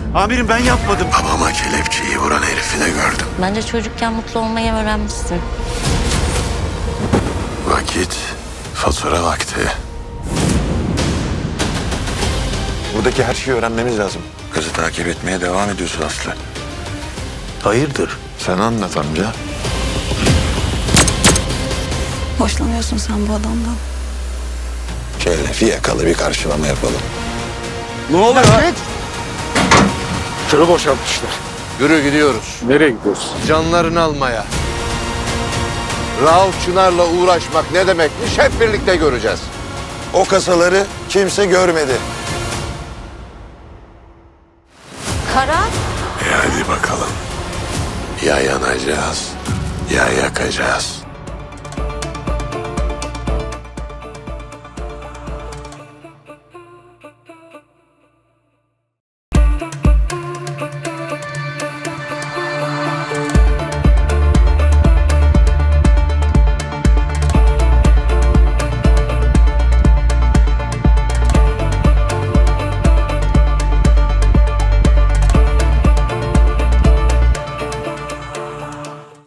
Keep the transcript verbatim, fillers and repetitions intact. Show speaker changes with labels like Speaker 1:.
Speaker 1: Amirim ben yapmadım.
Speaker 2: Babama kelepçeyi vuran herifi de gördüm.
Speaker 3: Bence çocukken mutlu olmayı öğrenmişsin.
Speaker 2: Vakit, fatura vakti. Buradaki her şeyi öğrenmemiz lazım. Kızı takip etmeye devam ediyorsun Aslı.
Speaker 1: Hayırdır?
Speaker 2: Sen anlat amca.
Speaker 4: Hoşlanıyorsun sen bu adamdan.
Speaker 2: Şöyle fiyakalı bir karşılama yapalım.
Speaker 1: Ne oluyor?
Speaker 5: Tırı boşaltmışlar.
Speaker 6: Yürü gidiyoruz.
Speaker 5: Nereye gidiyoruz?
Speaker 6: Canlarını almaya. Rauf Çınar'la uğraşmak ne demekmiş hep birlikte göreceğiz.
Speaker 2: O kasaları kimse görmedi.
Speaker 3: Kara?
Speaker 2: E hadi bakalım. Ya yanacağız, ya yakacağız.